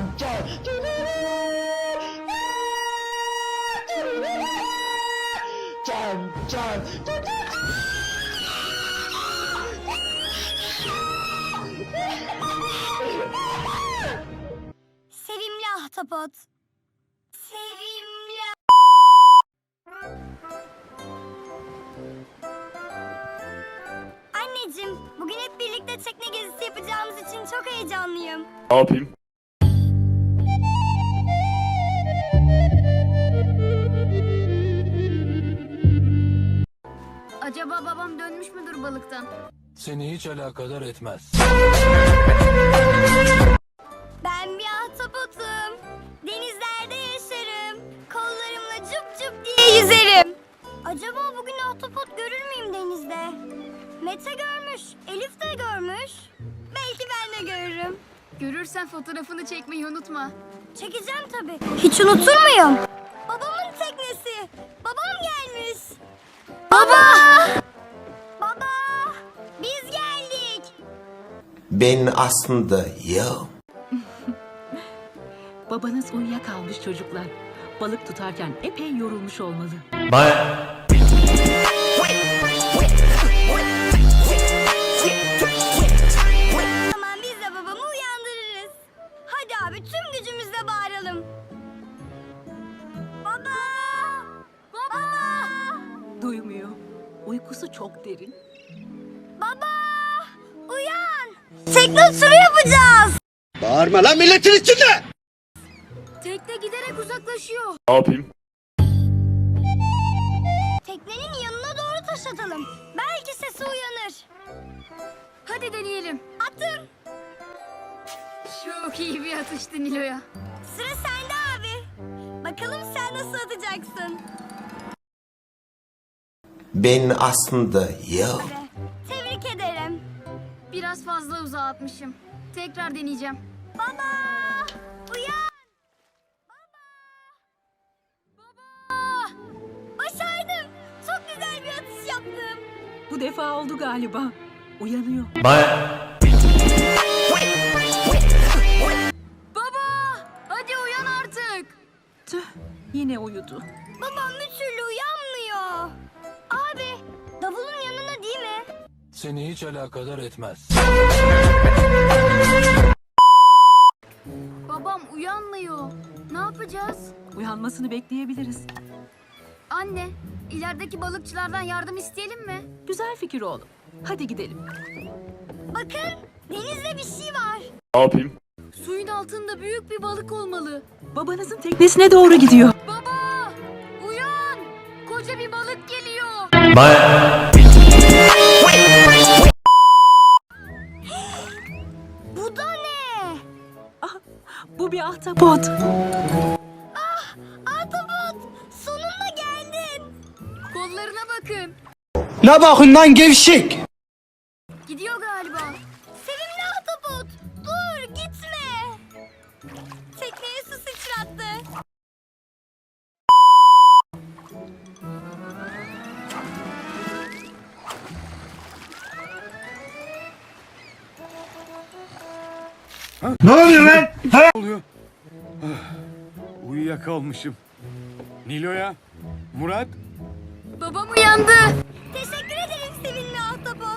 Sevimli ahtapot. Sevimli. Anneciğim, bugün hep birlikte tekne gezisi yapacağımız için çok heyecanlıyım. Ne yapayım? Acaba babam dönmüş müdür balıktan? Seni hiç alakadar etmez. Ben bir ahtapotum. Denizlerde yaşarım. Kollarımla cüp cüp diye yüzerim. Acaba bugün ahtapot görür müyüm denizde? Mete görmüş, Elif de görmüş. Belki ben de görürüm. Görürsen fotoğrafını çekmeyi unutma. Çekeceğim tabii. Hiç unutur muyum? Babamın teknesi. Babam gelmiş. Baba! Baba! Biz geldik. Ben aslında yok. Babanız uyuyakalmış çocuklar. Balık tutarken epey yorulmuş olmalı. Tamam, biz de babamı uyandırırız. Hadi abi, tüm gücümüzle bağıralım. Baba! Baba! Duymuyor. Uykusu çok derin. Baba! Uyan! Tekne turu yapacağız. Bağırma lan milletin içinde! Tekne giderek uzaklaşıyor. Ne yapayım? Teknenin yanına doğru taş atalım. Belki sesi uyanır. Hadi deneyelim. Attım. Çok iyi bir atıştı Nilo'ya. Sıra sende abi. Bakalım sen nasıl atacaksın? Ben aslında yok. Tebrik ederim. Biraz fazla uzağa atmışım. Tekrar deneyeceğim. Baba! Uyan! Baba! Başardım. Çok güzel bir atış yaptım. Bu defa oldu galiba. Uyanıyor. Baba! Hadi uyan artık. Tüh, yine uyudu. Babam bir türlü uyanmıyor. Abi, davulun yanına değil mi? Seni hiç alakadar etmez. Babam uyanmıyor. Ne yapacağız? Uyanmasını bekleyebiliriz. Anne, ilerideki balıkçılardan yardım isteyelim mi? Güzel fikir oğlum. Hadi gidelim. Bakın, denizde bir şey var. Ne yapayım? Suyun altında büyük bir balık olmalı. Babanızın teknesine doğru gidiyor. Baba! Uyan! Koca bir balık geliyor. Bu da ne? Bu bir ahtapot. Ahtapot, sonunda geldin. Kollarına bakın. Ne bakın lan gevşek! Gidiyor galiba. Sevimli ahtapot, dur gitme. Tekneye su sıçrattı. Ne oluyor lan? Ne oluyor? Uyuyakalmışım. Nilo'ya, Murat, Babam uyandı. Teşekkür ederim sevimli ahtapot.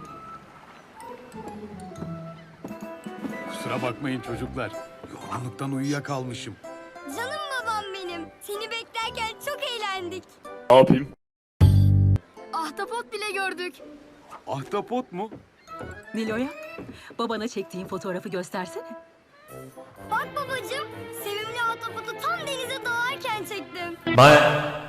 kusura bakmayın çocuklar. Yorgunluktan uyuyakalmışım. Canım babam benim. Seni beklerken çok eğlendik. Ne yapayım? Ahtapot bile gördük. Ahtapot mu? Nilo'ya, babana çektiğin fotoğrafı göstersene. Bak babacığım, sevimli ahtapotu tam denize dalarken çektim.